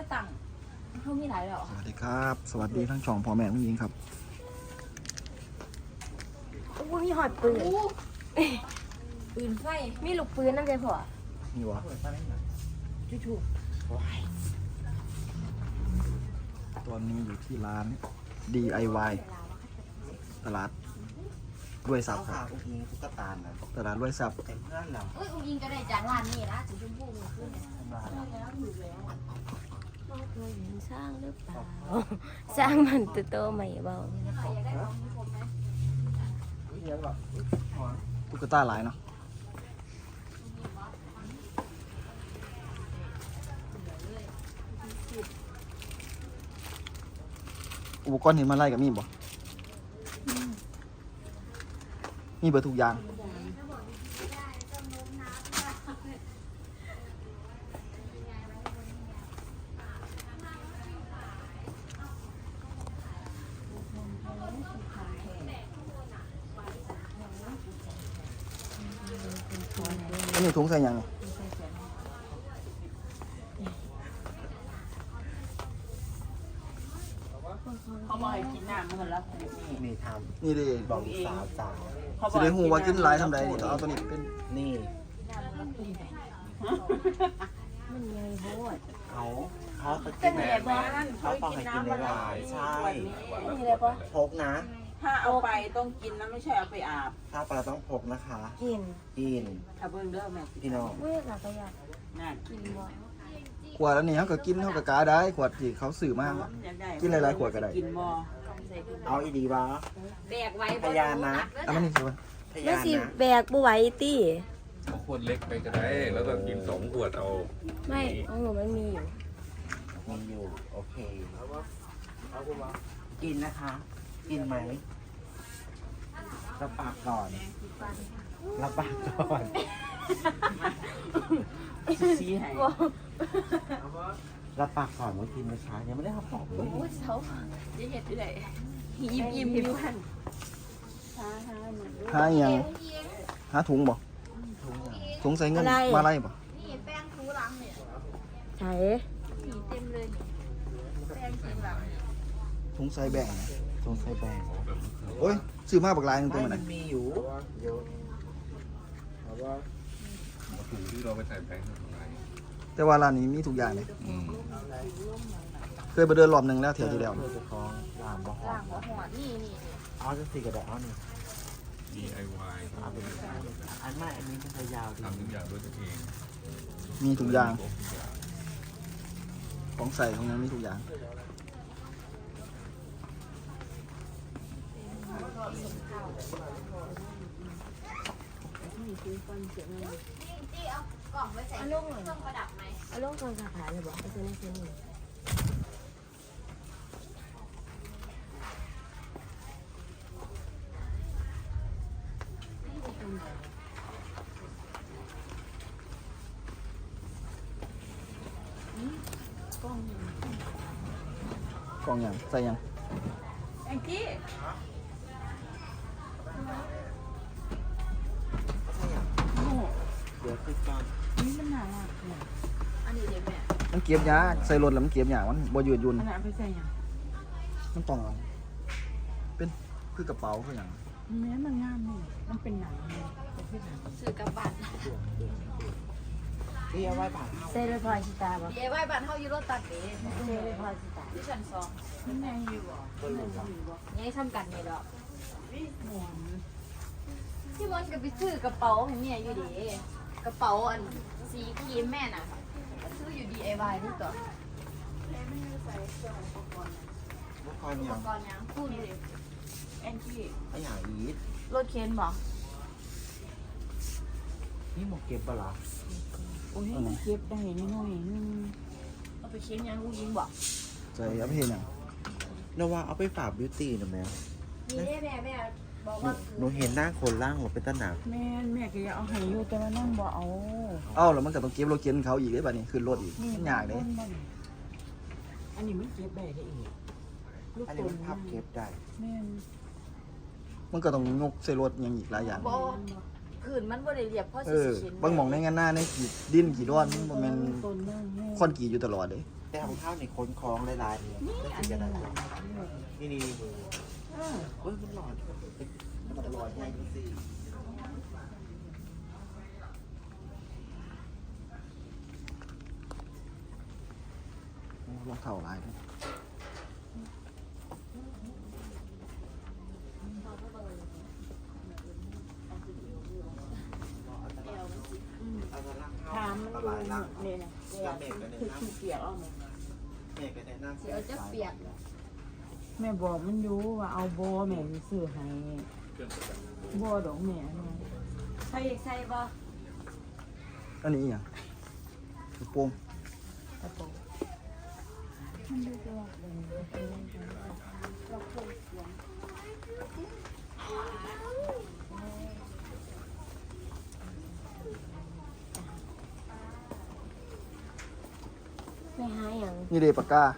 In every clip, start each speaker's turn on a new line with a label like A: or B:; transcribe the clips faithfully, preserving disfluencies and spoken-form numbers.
A: ตังเขามีหลายแล้ว
B: สวัสดีครับ สวัสดีทั้งช่องพ่อแม่ผู้หญิงครับ
C: อุ้ยมีหอดปืน
A: ปืนไฟ
C: มีลูกปืนนั่นเลยพ่อ
B: นี่วะ
A: จู่
B: ตอนนี้อยู่ที่ร้าน ดี ไอ วาย ตลาดด้วยซับค
D: ขา
B: รับ
D: อุ้งอิงตุ๊กตานะ
B: ตลาดด้วยซับ
D: แต่เพื่อนเรา
A: ๆเอ้ยอุ้งยิงก็ได้จากร้านนี้นะสีชมพูมือขึ้น
D: ทำลาย
C: สร้างหรือเปล่า สร้างมันตัวโตใหม่เบา
B: ตุ๊กตาหลายเนาะอุปกรณ์เห็นมาไล่กับมีบ่มีเบอร์ทุกอย่างอันนี้ถุงใส่ยังไง
E: เขาบอกให้กินน้ำมันละนี่
D: นี่ท
B: นี่ดิ
D: ำบอกสาวสาว
E: เขาบ
B: สิ
E: อก
B: ได้หูว่ากินหลายทำใดนี่ต้องเอาตัวนี้เป็น
D: นี่
C: มันใหญ่โหด
D: เขาเขาไปกินแบบเขาบอกให้กินในลายใช่
C: นี่เลยปะ
D: พกนะ
E: ถ้าเอาไปต้องกินนะไม่ใช่เอาไปอาบ
D: ถ้าปลาต้องพกนะคะ
C: กิน
D: กิน
E: ถ้าเบิ่งเด้อแม่
D: พี่น้อง
C: เว้ยหลักกระยา
E: นั่น
C: กินบ่
B: ขวดอันนี้เขาก็กินเขาก็กาได้ขวดที่เขาสื่อมาก
E: อยากได้
B: กินหลายๆขวดก็ได้
E: กินบ่
D: เอาอีดีวะ
A: แบกไว้
D: พยานนะ
B: อันนั้นนี่คือว่า
D: พ
C: แล้ว
D: ยาน
C: สิ
D: นะ
C: แบกบ่ไหวตี้
F: เอาขวดเล็กไปก็ได้ แล้วก็กินสองขวดเอา
C: ไม่ของหนูมันมีอยู่
D: มีอยู่โอเคกินนะคะ กินไหมรับปากก่อนรับปากก่อน
E: ชี้ให้
D: รับปากก่อนว่ากินไม่ช้ายังไม่ได้รับปากเลย
A: โอ้ยเสาจะเห็ดด้วยยิ้มยิ้มยิ้มหัน
B: หาอหยังหาถุงบ่ถุงใส่เงินมาไล่บ่
A: นี่แป้งทูหลังเนี่ย
C: ใช่
A: สีเต็มเลยนี่แป้งทูหลัง
B: ถุงใส่แบ่งนะ
D: สงสัยแบ่ง
B: โอ้ยซื้อมาบักลายหนึงตัว
D: ไม่
B: มัน
D: มั
B: น่ะ
D: นมีอยู่เยอะ
F: เอาถุงที่เราไปใส่แป้งทำไม
B: แต่ว่าร้านนี้มีทุกอย่างเลย
F: อืม
B: เคยไปเดินรอบหนึงแล้วเที่ยวที่แล้ว
D: เพื่อจะคล้องลามบ่หอ
A: ล่าง
D: ม
A: หัวหอดนี่นี่
D: เอาจะสี่กระดาษเอาหนึ่ง
F: ดี ไอ วาย
D: เอาไปเลยอันไม่อันนี้มันจะยาวดี
F: ทำทุกอย่างด้วยตัวเอง
B: มีทุกอย่าง
F: ครบทุกอย่าง
B: ของใส่ของนั้นมีทุกอย่าง
A: ที่เอากล่องไว้ใส่เครื่องประดับไหม
C: เอาลงกองสาขาเลยบอกเอาเส้นนี้เส้นนี้กล้อง
B: กล่องอย่างใส่หยัง
E: แองจี้
D: เดี๋ยวคือก่อน
E: นี่มันน่ารักเนี่ย
A: อันนี้เดี๋ยวแม่
B: มันเก็บยากใส่รถแล้วมันเก็บยากมันบ่ยืดหยุ่น
E: อันนั้นเอาไปใส่หยัง
B: มันต้องเอาเป็นคือกระเป๋าคือหยัง
E: แม้มันงามนี่มันเป็นหนังเนี่ยเป็นที่หนัง
A: ซื้อกับบัตร
D: นี่เอาไว้ผ่าน
C: เส้นเลยพอชิตาบอก
A: ดีไอไว้บัตรเฮาอยู่รถตัดเด้
C: เส้นเลยพอชิตา
A: ที่ชั้นสอง
E: มันแม่งอยู่บ่มันแม่งอยู่บ่
A: ยังทำกันนี่ดอก
E: หมอน
A: ที่มันก็ไปซื้อกระเป๋าให้เมียอยู่ดีกระเป๋าอันสีครีมแม่น่ะก็ซื้ออยู่ ดี ไอ วาย นี่ตัว
D: เมื่อก่อน
A: อุ
D: ยั
A: ป
D: ง
A: กรณ์ยังพูดดิ
E: แองจี้
D: ไอ้อย่างอีท
A: รถเคนบอก
D: นี่หมกเก็บปะล่ะ
E: โอ้ยมันเก็บได้น้อยๆนึง
A: เอาไปเคนยังกูยิงบอก
B: ใส่เอาไปเห็นหยัง
D: นว่าเอาไปฝากบิวตี้นะแม่
A: นี่แม่แม่บอก
D: หนู
A: ว่า
D: หนูเห็นหน้าคนล่างหัวเป็นตะหนัก
E: แม่แม่ก็อยากเอาให้อยู่แต่ว่านั่งบ่เอา
B: เอ้าแล้วมันก็ต้องเก็บรถเข็นเขาอีกได้ป่ะนี่ขึ้นรถอีกมันยากเด้
E: อันนี้มันเก็บได้ได้อีกลูก
D: อัน
E: ตุ
D: นี้
E: น
D: มันพับเก็บได้
E: แม่น
B: มันก็ต้องยกใส่รถอยังอีกหลายอย่าง
A: บอกผืนมันบ่ได้เรียบเพราะ
B: เอ
A: สิ
B: อ
A: เข็น
B: บางหม่องในงานหน้าในขีดดินขีดร้อนมันบ่แม่น
E: ตุนนั่งแม่
B: คอนกรีตอยู่ตลอดเด้
E: แ
D: แต่ของข้าวนี่ค้นคล้องหลายๆนี่อันนี้ได้นี่นี่นี่เออเฮ้ยมันหลอดมันหลอดใหญ่จริง
B: รองเท้าลายด้วย
E: ถามมันอยู่นี่นะคือขี้เกียจเอาไหม
D: แม่ก็แนะนำ
A: เสียวจะเปียก
E: แม่บอกมันอยู่ว่าเอาโบแม่สิซื้อให้โบดอกแม่เนี่ย
A: ใส่ใส่บ่
B: อันนี้อหย่างกระโปรง
E: กระโปรง
C: ไปหาอย่าง
B: นี่เดปากกา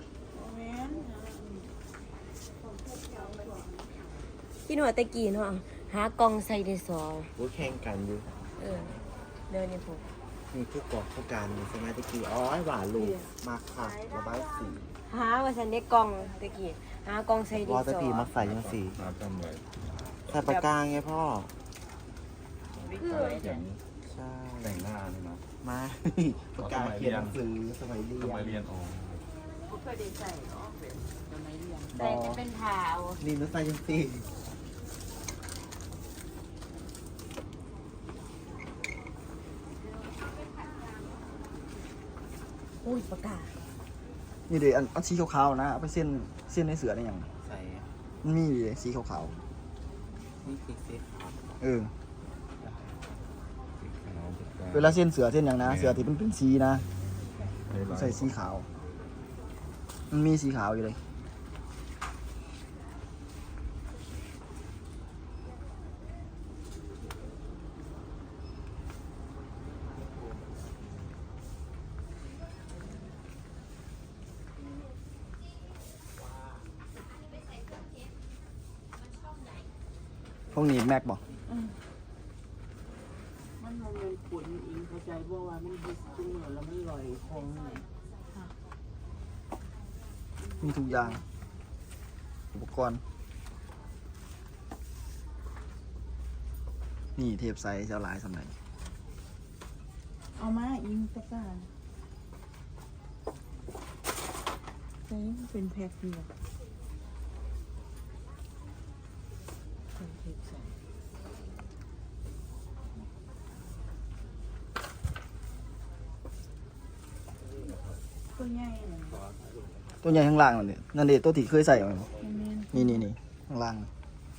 C: กินหัวตะกี้เนาะหากล่องใส่ได้สอง
D: กูแข่งกันอยู่
C: เออเดินนี่ผม
D: มีผู้กอกผู้การมีสมาธิกีอ๋อหวานลูกมาค่ะระบายสี
C: หาว่าฉันได้กล่องตะกี้หากล่องใส่ได้
D: วอ
C: ส
D: ต
C: อง
D: ปีมาใส่ยังสี
F: หาจำไว้
D: ใส่ปากกาไงพ่อ
C: คือ
F: อย่าง
D: ใช่
F: แต่งหน้านี่นะ
D: มาปากกาเขียนหนังสือสมัยเรีย
F: ทำไมเรีย
D: น
F: นออก
E: ก็เคยได้ใส่เนาะเป็นสมัยเรียน
C: ใส่จะเป็นผ้าเอา
D: นี่นุ้ใส่ยังสี
C: อุ้ยปากกา
B: นี่เดอันอันสีขาวๆนะเอาไปเส้นเส้นในเสือได้ยัง
D: ใส่
B: มันมีอยู่เลยสีขาว
D: นี่คือสีขาว
B: ๆเออ
F: สีขาวปากกา
B: เวลาเส้นเสือเส้นอย่างนะเสือที่เป็นเป็นสีนะใส่สีขาว มันมีสีขาวอยู่เลย พวกนี้แม็กบอก
E: มันมันเป็นขุนอิงเข้าใจบ่ว่ามันดิสจุ่มแล้วมันลอยคงเลย
B: มีทุกอย่าง อุปกรณ์ นี่เทปไซส์เจ้าหลายสมัย
E: เอามาอิงตะกร้าใช่เป็นแพ็คเดียวเป็นเทปใส่ตัวใหญ่เลย
B: ตัวใหญ่ข้างล่างนั่นเนี่ยนั่นเด็ตัวที่เคยใส่ไหม
E: แม่น
B: นี่นี่นี่ข้างล่าง
E: มัน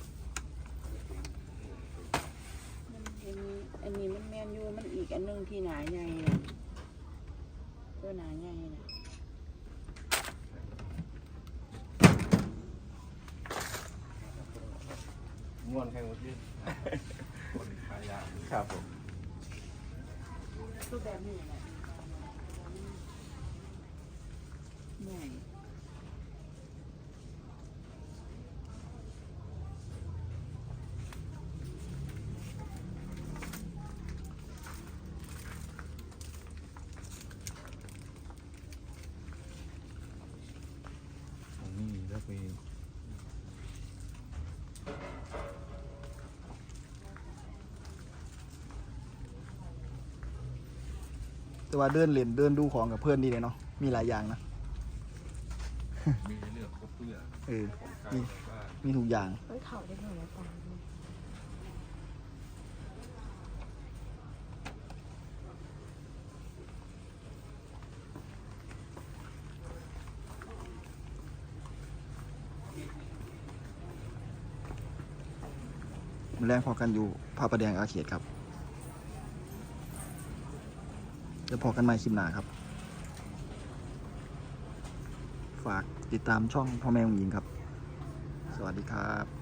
E: อันนี้อันนี้มันแมนยูมันอีกอันหนึงที่หนาใหญ่น่ะตัวหนาใหญ่น่ะ
F: ง่วนแค่วันที่คนขายยา
D: ครับผม
E: ตัวแบบนี้แหละใหญ่
F: ของนี่แล้วไป
B: แต่ว่าเดินเล่นเดินดูของกับเพื่อนดีเลยเนาะ มีหลายอย่างนะ
F: มีให้เลือกครบเพื่อ
B: เออ
F: การ
B: มี
F: บ้าน
B: มีทุกอย่าง
C: มันเข่าได้เท่าไหร่ตา
B: มันแรงพอกันอยู่พระประแดงอาเขตครับเดี๋ยวพอกันใหม่คลิปหน้าครับ ฝากติดตามช่องพ่อแม่ของหญิงครับ สวัสดีครับ